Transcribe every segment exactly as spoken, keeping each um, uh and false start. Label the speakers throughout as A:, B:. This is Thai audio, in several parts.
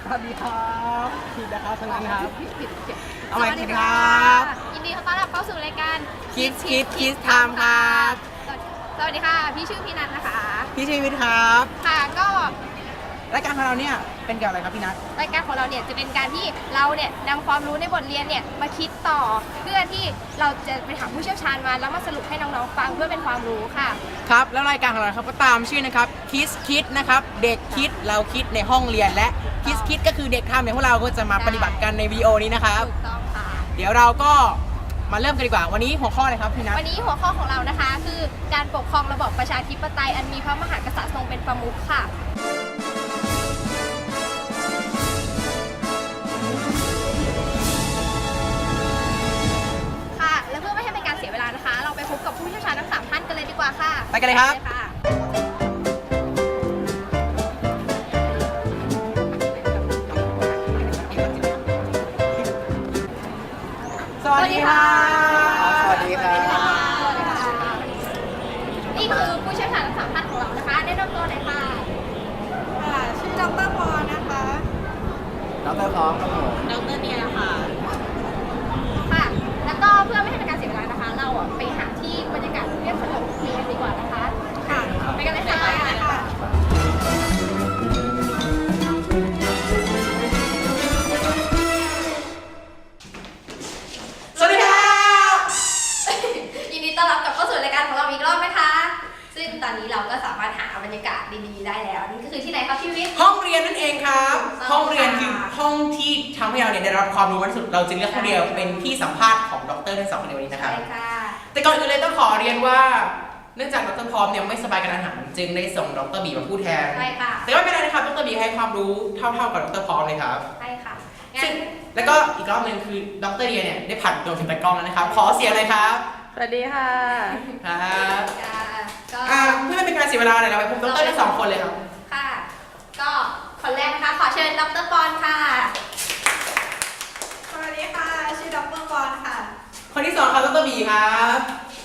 A: วัสดีครับผิดนะครับฉะนั้นครับ
B: ผิดผิดผิด
A: เอาใหม่ผิดครับ
B: ยินดีต้อนรับเข้าสู่รายการ
A: คิดคิดคิดไทม์ครับ
B: สวัสดีค่ะ พี่ชื่อพี่นัทนะคะ
A: พี่ชีวิตครับ
B: ค่ะก็
A: รายการของเราเนี่ยเป็นเกี่ยวกับอะไรครับพี่นัท
B: รายการของเราเนี่ยจะเป็นการที่เราเนี่ยนำความรู้ในบทเรียนเนี่ยมาคิดต่อ เพื่อที่เราจะไปถามผู้เชี่ยวชาญมาแล้วมาสรุปให้น้องๆฟังเพื่อเป็นความรู้ค่ะ
A: ครับแล้วรายการของเราครับก็ตามชื่อนะครับคิดคิดนะครับเด็กคิดเราคิดในห้องเรียนและคิดคิดก็คือเด็กทำอย่างพวกเราก็จะมาปฏิบัติกันในวีดีโอนี้นะครับ
B: ถูกต้องค่ะ
A: เดี๋ยวเราก็มาเริ่มกันดีกว่าวันนี้หัวข้ออะไรครับพี่นัท
B: วันนี้หัวข้อของเรานะคะคือการปกครองระบอบประชาธิปไตยอันมีพระมหากษัตริย์ทรงเป็นประมุขค่ะค่ะและเพื่อไม่ให้เป็นการเสียเวลานะคะ เราไปพบกับผู้เชี่ยวชาญทั้งสามท่านกันเลยดีกว่าค่ะ
A: ไปกันเลยครับ
B: ไปค่ะ
A: สวัสดีครับ
B: สวัสดีค่ะนี่คือผู้เชี่ยวชาญทั้งสามท่านของเรานะคะแนะนำตัวหน่อยค่ะ
C: ค่ะชื่อดรพรนะคะ
A: ดรพร้อมครับผม
C: ดรเนียค่ะ
B: ค่ะ แล้วก็เพื่อไม่ให้เป็นการเสียเวลานะคะ เราอ่ะไปหาที่บรรยากาศเรียบสงบเรียนดีกว่านะคะ ค่ะ ไปกันเลยค่ะ
C: ค่ะ
A: สวัสดีครับ
B: ยินดีต้อนรับกลับเข้าสู่รายการของเราอีกรอบนะคะ ซึ่งตอนนี้เราก็สามารถหาบรรยากาศดีๆได้แล้วนี่ก็คือที่ไหนครับพี่วิทย์
A: ห้องเรียนนั่นเองครับ
B: ค่ะ
A: ห้องเรียนคือห้องที่ทำให้เราเนี่ยได้รับความรู้มากที่สุดเราจึงเลือกห้องเรียนเป็นที่สัมภาษณ์ของดรทั้งสองคนในวันนี้นะครับ
B: ใช่ค่ะ
A: แต่ก่อนอื่นเลยต้องขอเรียนว่าเนื่องจากดรพร้อมเนี่ยไม่สบายกันอาหารจึงได้ส่งดรบีมาพูดแทน
B: ใช่ค่ะ
A: แต่ก็ไม่เป็นไรนะครับดรบีให้ความรู้เท่าๆกับดรพร้อมเลยครับ
B: ใช่ค่ะงั้
A: ซึ่ง
B: น
A: แล้วก็อีกรอบหนึ่งคือดรเดียเนี่ยได้ผ่านตัวถึงตะกล้องแล้วนะครับ ขอเสียงเลยครับ
C: สวัสดีค่ะ
A: ครับ
B: ค่ะก็
A: อ่าเพื่อไม่เป็นการเสียเวลาเลยเราไปพบดรทั้งสองคนเลยครับ
B: ค่ะ ก็คนแรกนะคะ ขอเชิญดรปอนค่ะ
C: สวัสดีค่ะ ชื่อดรพรค่ะ
A: คนที่สองครับดรบีครับ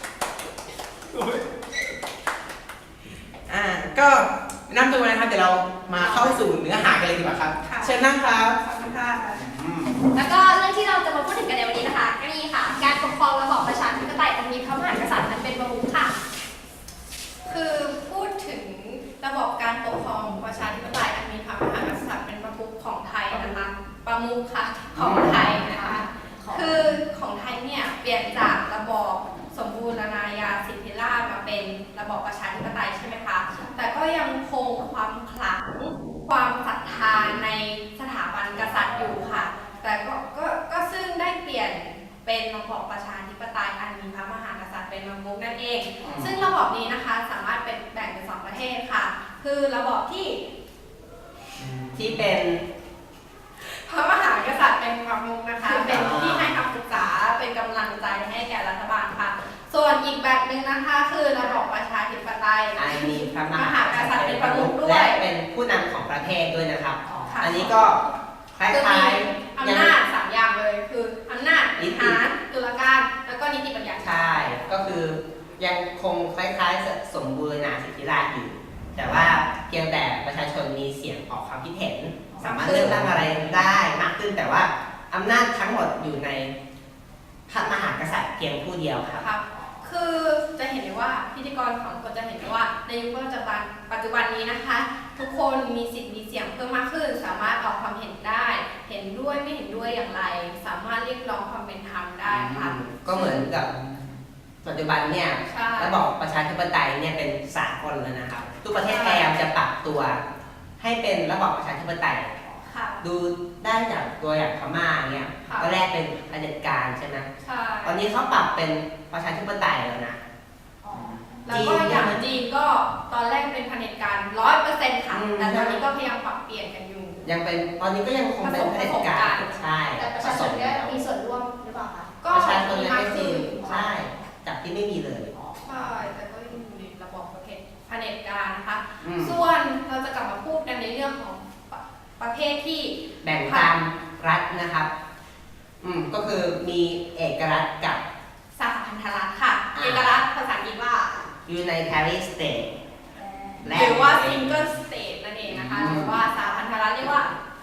A: อ่าก็แนั่งตัวนะครับเดี๋ยวเรามาเข้าสู่เนื้อหากันเลยดีกว่าครับ
C: ค่ะ
A: เชิญนั่งครับ
C: ขอบคุณค่ะ
B: แล้วก็เรื่องที่เราจะมาพูดถึงกันในวันนี้นะคะก็นี่ค่ะ การปกครองระบอบประชาธิปไตยอันมีพระมหากษัตริย์อันเป็นประมุขค่ะ
C: คือพูดถึงระบบการปกครองประชาธิปไตยอันมีพระมหากษัตริย์เป็นประมุขของไทยนะคะ ประมุขค่ะของไทยนะคะ คือของไทยเนี่ยเปลี่ยนจากระบอบสมบูรณาญาสิทธิราชย์มาเป็นระบอบประชาธิปไตยใช่ไหมคะ แต่ก็ยังคงความขลังความศรัทธาในสถาบันกษัตริย์อยู่ค่ะ แต่ก็ก็ก็ซึ่งได้เปลี่ยนเป็นระบอบประชาธิปไตยอันมีพระมหากษัตริย์เป็นประมุขนั่นเอง ซึ่งระบอบนี้นะคะสามารถเป็นแบ่งเป็นสองประเภทค่ะ คือระบอบที่
A: ที่เป็น
C: พระมหากษัตริย์เป็นประมุขนะคะ เป็นที่ให้คำปรึกษาเป็นกำลังใจให้แก่รัฐบาลค่ะ ส่วนอีกแบบหนึ่งนะคะคือระบอบประชาธิปไตย
D: อันมีพระม
C: ม
D: หา
C: หากษัตริย์เป็นประมุขด้วย
D: และเป็นผู้นำของประเทศด้วยนะครับ
C: ค่ะ
D: อันนี้ก็คล้
C: คือ
D: า
C: มี
D: ยๆ
C: อำนาจสามอย่างเลยคืออำนาจบริหารตุลาการแล้วก็นิติบัญญัติ
D: ใช่ ก็คือยังคงคล้ายๆ สมบูรณาสิทธิราชย์อยู่ แต่ว่าเพียงแต่ประชาชนมีเสียงออกความคิดเห็น สามารถเลือกตั้งอะไรได้มากขึ้น แต่ว่าอำนาจทั้งหมดอยู่ในพระมหากษัตริย์เพียงผู้เดียวครับ
C: ครับ คือจะเห็นได้ว่าพิธีกรของคนจะเห็นได้ว่าในยุคปัจจุบันปัจจุบันนี้นะคะ ทุกคนมีสิทธิ์มีเสียงเพิ่มมากขึ้น สามารถออกความเห็นได้ เห็นด้วยไม่เห็นด้วยอย่างไร สามารถเรียกร้องความเป็นธรรมได้ค่ะ
D: ก็เหมือนกับปัจจุบันเนี่ย
C: ใช่
D: ระบอบประชาธิปไตยเนี่ยเป็นสากลแล้วนะครับ ทุกประเทศพยายามจะปรับตัว ให้เป็นระบอบประชาธิปไตย
C: ค่ะ
D: ดูได้จากตัวอย่างพม่าเนี่ย
C: ค่ะ
D: ตอนแรกเป็นเผด็จการใช่ไหม
C: ใช่
D: ตอนนี้เขาปรับเป็นประชาธิปไตยแล้วนะ
C: แล้วก็อย่างจีนก็ตอนแรกเป็นเผด็จการร้อยเปอร์เซ็นต์ค่ะ
D: อืม
C: แต่ตอนนี้ก็พยายามปรับเปลี่ยนกันอยู่
D: ยังเป็นตอนนี้ก็ยังคงเป็นเผด็จการ
C: ผสม
D: ใช่
B: แต่ประชาชนก็มีส่วนร่วมหรือเปล่าคะ
C: ก็
D: ประชาชน
C: มี
D: ยัง
C: มาก
D: ไม่จริ
C: ขึ้
D: ง
C: น
D: ใช่จากที่ไม่มีเลย
C: ใช่แต่ก็ยังอยู่ในระบบประเภทเผด็จการนะคะ
D: อืม
C: ส่วนเราจะกลับมาพูดกันในเรื่องของปะประเภทที่
D: แบ่งตามรัฐนะครับ อืมก็คือมีเอกรัฐกับ
C: สหพันธรัฐค่ะ
D: อ่า
C: เอกรัฐภาษาอังกฤษว่า
D: Unitary State และ
C: หรือว่า single state นั่นเองนะคะ
D: อืม
C: หรือว่าสหพันธรัฐเรียกว่า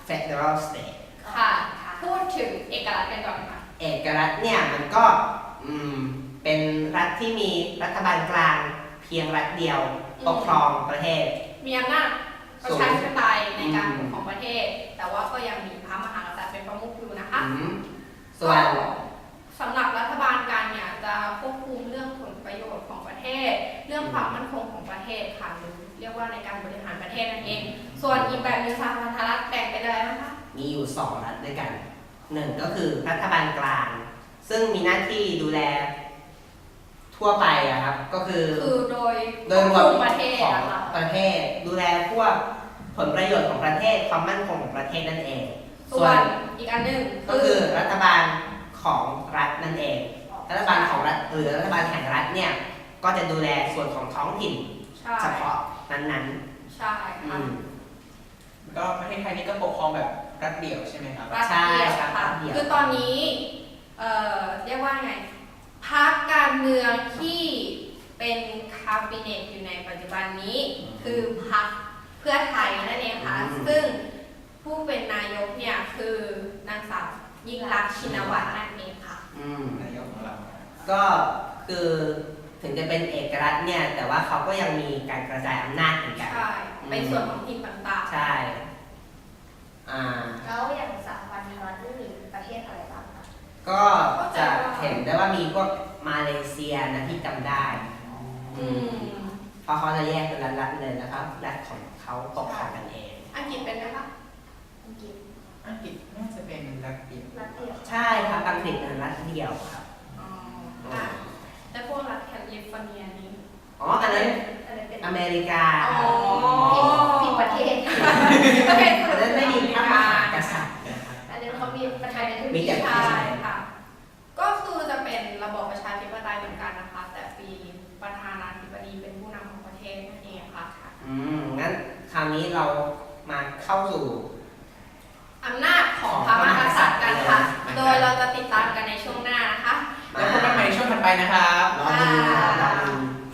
D: federal state
C: ค่ะ พูดถึงเอกลักษณ์กันก่อนค่ะ
D: เอกรัฐเนี่ยมันก็อืมเป็นรัฐที่มีรัฐบาลกลางเพียงรัฐเดียวปกครองประเทศ
C: มีอำนาจประชาธิปไตยในการปกครองประเทศ แต่ว่าก็ยังมีพระมหากษัตริย์เป็นประมุขอยู่นะคะ
D: อืมส่วน
C: ก็สำหรับรัฐบาลกลางเนี่ยจะควบคุมเรื่องผลประโยชน์ของประเทศ เรื่องความมั่นคงของประเทศค่ะหรือเรียกว่าในการบริหารประเทศนั่นเอง ส่วนอีกแบบหนึงสหพันธรัฐแบ่งเป็นอะไรบ้างคะ
D: มีอยู่สองรัฐด้วยกันหนึ่งก็คือรัฐบาลกลาง ซึ่งมีหน้าที่ดูแลทั่วไปอะครับก็คือ
C: คือโดย
D: โดยร
C: คว
D: ว
C: บ
D: ม
C: คุมประเทศ
D: ของ
C: นะคะ
D: ประเทศ ดูแลพวกผลประโยชน์ของประเทศความมั่นคงของประเทศนั่นเอง
C: ส่วนอีกอันหนึ่ง
D: ก็คือรัฐบาลของรัฐนั่นเอง รัฐบาลของรัฐหรือรัฐบาลแห่งรัฐเนี่ยก็จะดูแลส่วนของท้องถิ่น
C: ใช่
D: เฉพาะนั้น
C: ใช่
D: ๆอื
C: ค่ะ
D: ม
A: ก็ประเทศไทยนี่ก็ปกครองแบบรัฐเดี่ยวใช่ไหมครับ
C: รัฐ
D: ใช่
C: เดียว
D: ครับ
C: ค่ะ
D: รัฐเดียว
C: คือตอนนี้เอ่อเรียกว่าไงพรรคการเมืองที่เป็นคาบิเนตอยู่ในปัจจุบันนี้ คือพรรคเพื่อไทยนั่นเองค่ะ ซึ่งผู้เป็นนายกเนี่ยคือนางสาวยิ่งรักษณ์ชินวัตรนั่นเองค่ะ
D: อืม
A: นายกของเรา
D: ก็คือถึงจะเป็นเอกรัฐเนี่ยแต่ว่าเขาก็ยังมีการกระจายอำนาจเหมือนกัน
C: ใช่ในส่วนของทีมต่าง
D: ใช่อ่า
B: แล้วอย่างสหพันธรัฐนี่มีประเทศอะไรบ้างคะ
D: ก็จะเห็นได้ว่ามีพวกมาเลเซียนะที่จำได้
C: ๆอืม
D: เพราะเขาจะแยกเป็นรัฐๆเลยนะครับรัฐของเขาปกครองกันเอง
C: อังกฤษเป็นไหมคะ
B: อังกฤษ
A: อังกฤษน่าจะเป็นรัฐเดี่ยว
B: รัฐเดียว
D: ใช่ครับอังกฤษเป็นรัฐเดียวครับ
C: อ๋ออ่ะแล้วพวกรัฐแคลิฟอร์เนียนี้
D: อ๋ออันนั้น
B: อะไรเป็น
D: อเมริกา
C: อ๋อ
B: ผิดประเทศ
C: โอเค
D: อันนั้นไม่มีพระมหากษัตริย์นะครับ
B: อันนั้นเขามีประธานาธิบ
D: มี
B: ดี
D: แต่
C: ใช่ค่ะ ก็คือจะเป็นระบอบประชาธิปไตยเหมือนกันนะคะ แต่ปีประธานาธิบดีเป็นผู้นำของประเทศนั่นเองค่ะ
D: อืมงั้นคราวนี้เรามาเข้าสู่
C: อำนาจของพระมหากษัตริย์กันค่ะ โดยเราจะติดตามกันในช่วงหน้านะคะ
A: แล้วพบกันใหม่ในช่วงถัดไปนะครับ
D: รอดูนะครับรอดู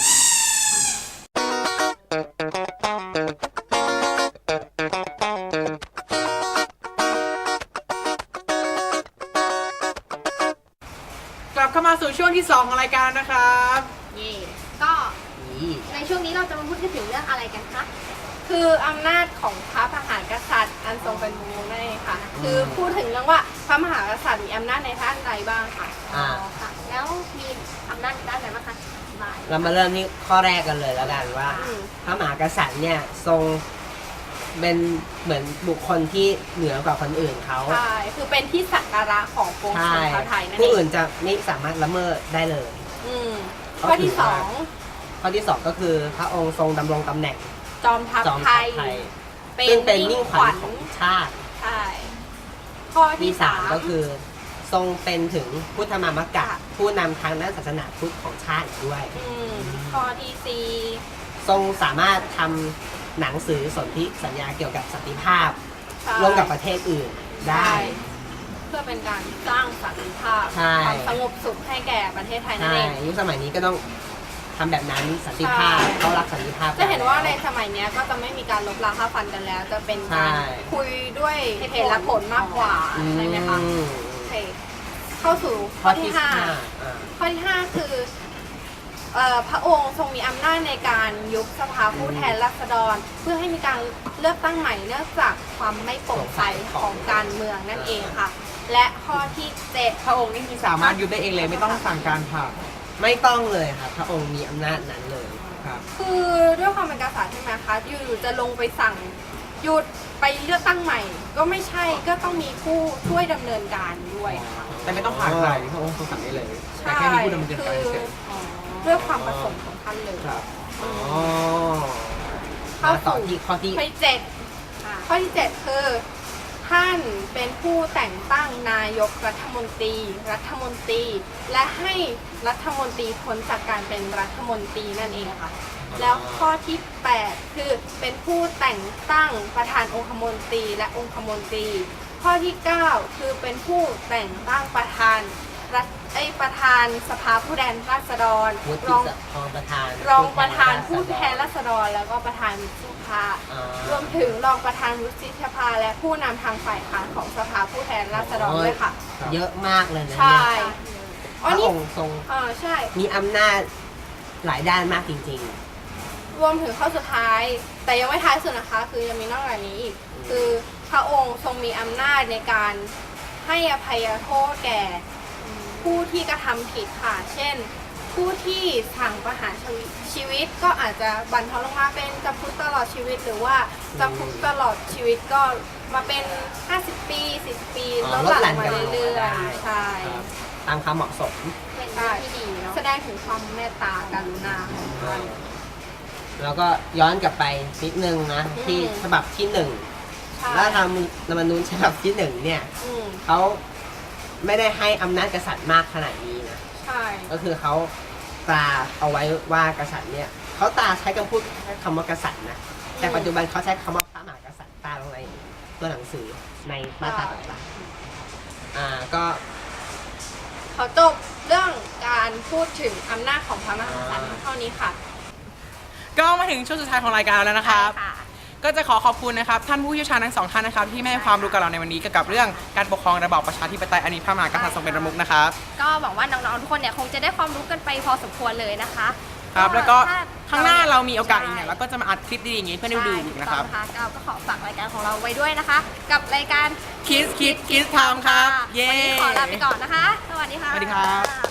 A: กลับเข้ามาสู่ช่วงที่สองของรายการนะครับ
B: เย่ก็ในช่วงนี้เราจะมาพูดกันถึงเรื่องอะไรกันคะ
C: คืออำนาจของพระมหากษัตริย์อันทรงเป็นบุญนั่นเองค่ะ คือพูดถึงเรื่องว่าพระมหากษัตริย์มีอำนาจในด้านใดบ้างค่ะ
D: อ่า
B: ค่ะ แล้วมีอำนาจด้านไหนบ้างคะอธิบาย
D: เรามาเริ่มที่ข้อแรกกันเลยแล้วกันว่า
C: อืม
D: พระมหากษัตริย์เนี่ยทรงเป็นเหมือนบุคคลที่เหนือกว่าคนอื่นเขา
C: ใช่ คือเป็นที่สักการะของปวงช
D: ใช่
C: นชาวไทยนั่น
D: ผู้
C: เอ
D: อื่
C: ง
D: นจะไม่สามารถละเมิดได้เลย
C: อืม
D: เขา
C: ข้อที่
D: ถือ
C: ส
D: ว่า
C: อง
D: ข้อที่สองก็คือพระองค์ทรงดำรงตำแหน่ง
C: จอมทัพ
D: จอม
C: ไท
D: ทัพ
C: ย
D: ไทย
C: เป็
D: ซึ่
C: น
D: งเป็น
C: มิ่
D: มิ่
C: ง
D: ง
C: ข
D: ขวั
C: วั
D: ญ
C: ญ
D: ของชาติ
C: ใช่ ข้อ
D: ที่
C: ที่
D: สา
C: สาม ม
D: ก็คือ ทรงเป็นถึงพุทธมามกะ
C: ค่ะ
D: ผู้นำทางด้านศาสนาพุทธของชาติอีกด้วย
C: มข้อที่สี่
D: ทรงสามารถทำหนังสือสนธิสัญญาเกี่ยวกับสันติภาพ
C: ใช่
D: ร่วมกับประเทศอื่นได้
C: ใช่เพื่อเป็นการสร้างสันติภาพ
D: ใช่
C: ความสงบสุขให้แก่ประเทศไทยนั่น
D: ใช่
C: เอง
D: ยุคสมัยนี้ก็ต้องทำแบบนั้นสันติภาพ
C: ใช่
D: เขารักสันติภาพ
C: จะเห็นว่าในสมัยเนี้ยก็จะไม่มีการลบราค่าฟันกันแล้ว จะเป็นการ
D: ใช่
C: คุยด้วยเหตุและผลมากกว่า
D: อื
C: ใช่ไหมคะ
D: ม
C: โอเคเข้าสู่ข้
D: ข้
C: อ
D: อ
C: ที่
D: ที่
C: ห้า
D: ห้าอ่า
C: ข้อที่ห้าคือเอ่อพระองค์ทรงมีอำนาจในการยุบสภาผู้แทนราษฎร เพื่อให้มีการเลือกตั้งใหม่เนื่องจากความไม่โปร่งใสของการเมืองนั่นเองค่ะ และข้อที่เจ็ด
A: พระองค์นี่คือสามารถยุบได้เองเลยไม่ต้องสั่งการผ่าน
D: ไม่ต้องเลยครับ พระองค์มีอำนาจนั้นเลย
A: ครับ
C: คือด้วยความเป็นกษัตริย์ใช่ไหมคะอยู่ๆจะลงไปสั่งหยุดไปเลือกตั้งใหม่ ก็ไม่ใช่ก็ต้องมีผู้ช่วยดำเนินการด้วยค่ะ
A: แต่ไม่ต้องผ่านใครพระองค์ทรงสั่งได้เลย แต่แค่มีผู้ดำเนินการ
C: คือ
A: เฉย
C: ด้วยความประสงค์ของท่านเลย
A: ๆครับ
D: อ๋อ
C: เข้า
D: มาต่อ
C: สู่
D: ที่ข้อที่
C: ข้อที่เจ็ดข้อที่เจ็ดคือท่านเป็นผู้แต่งตั้งนายกรัฐมนตรี รัฐมนตรี และให้รัฐมนตรีพ้นจากการเป็นรัฐมนตรีนั่นเองค่ะ แล้วข้อที่แปดคือเป็นผู้แต่งตั้งประธานองคมนตรีและองคมนตรี ข้อที่เก้าคือเป็นผู้แต่งตั้งประธาน
B: รัฐไอยประธานสภาผู้แทนราษฎร
D: วุฒิ
B: รอง
D: สภาประธาน
B: รองประธานผู้แทนราษฎรแล้วก็ประธานวุฒิสภา
D: อ่าร
B: วมถึงรองประธานวุฒิสภาและผู้นำทางฝ่ายค้านของสภาผู้แทนราษฎรด้วยค่ะ
D: เยอะมากเลยนะ
B: ใช่
D: เนี่ย
B: อ๋
D: พ
B: อ
D: ระ
B: นี่
D: องค์ทรง
B: อ่าใช่
D: มีอำนาจหลายด้านมากจริง
B: รวมถึงข้อสุดท้าย แต่ยังไม่ท้ายสุดนะคะ คือยังมีนอกจากนี้อีก คือพระองค์ทรงมีอำนาจในการให้อภัยโทษแก่ผู้ที่กระทำผิดค่ะ เช่น ผู้ที่สั่งประหารชีวิตชีวิตก็อาจจะบรรเทาลงมาเป็นจำคุกตลอดชีวิต หรือว่าจำคุกตลอดชีวิตก็มาเป็น ห้าสิบ ปี สิบ ปี
D: อ๋
B: ล
D: อ
B: ด
D: ลด
B: ห
D: หลั่
B: ลั่น
D: น
B: มา
D: กันลงมา
B: เรื่อ
D: ได้
B: ยๆ ใช่
D: ๆ ตามความเหมาะสม
B: เป็นเรื่องที่ดีเนาะแสดงถึงความเมตตากรุณาของท่าน
D: แล้วก็ย้อนกลับไปนิดนึงนะ
B: อืม
D: ที่ฉบับที่หนึ่ง
B: ใช่
D: แล้วทางรัฐธรรมนูญฉบับที่หนึ่งเนี่ย
B: อืม
D: เขาไม่ได้ให้อำนาจกษัตริย์มากขนาดนี้นะ
B: ใช่
D: ก็คือเขาตราเอาไว้ว่ากษัตริย์เนี่ยเขาตราใช้คำพูดแค่คำว่ากษัตริย์นะแต่ปัจจุบันเขาใช้คำว่าพระมหากษัตริย์ตราลงในตัวหนังสือในมาตราต่างๆอ่าก็
B: เขาจบเรื่องการพูดถึงอำนาจของพระมหากษัตริย์เท่านี้ค่ะ
A: ก็มาถึงช่วงสุดท้ายของรายการแล้วนะครับ ก็จะขอขอบคุณนะครับท่านผู้เชี่ยวชาญทั้งสองท่านนะครับที่ให้ความรู้กับเราในวันนี้เกี่ยวกับเรื่องการปกครองระบอบประชาธิปไตยอันมีพระมหากษัตริย์ทรงเป็นประมุขนะครับ
B: ก็หวังว่าน้องๆทุกคนเนี่ยคงจะได้ความรู้กันไปพอสมควรเลยนะคะ
A: ครับแล้วก็
B: ถ้
A: ข้างหน้าเรามีโอกาสอีกเนี่ยเราก็จะมาอัดคลิปดีๆอย่างนี้เพื่อนได้ดูอีกนะครับ
B: ใช่ถูกต้องนะคะก็ขอฝากรายการของเราไว้ด้วยนะคะ กับรายการ
A: คิสคิสคิสไทม์ครับ เย้
B: วันนี้ขอลาไปก่อนนะคะ สวัสดีค่ะ
A: สวัสดีครับ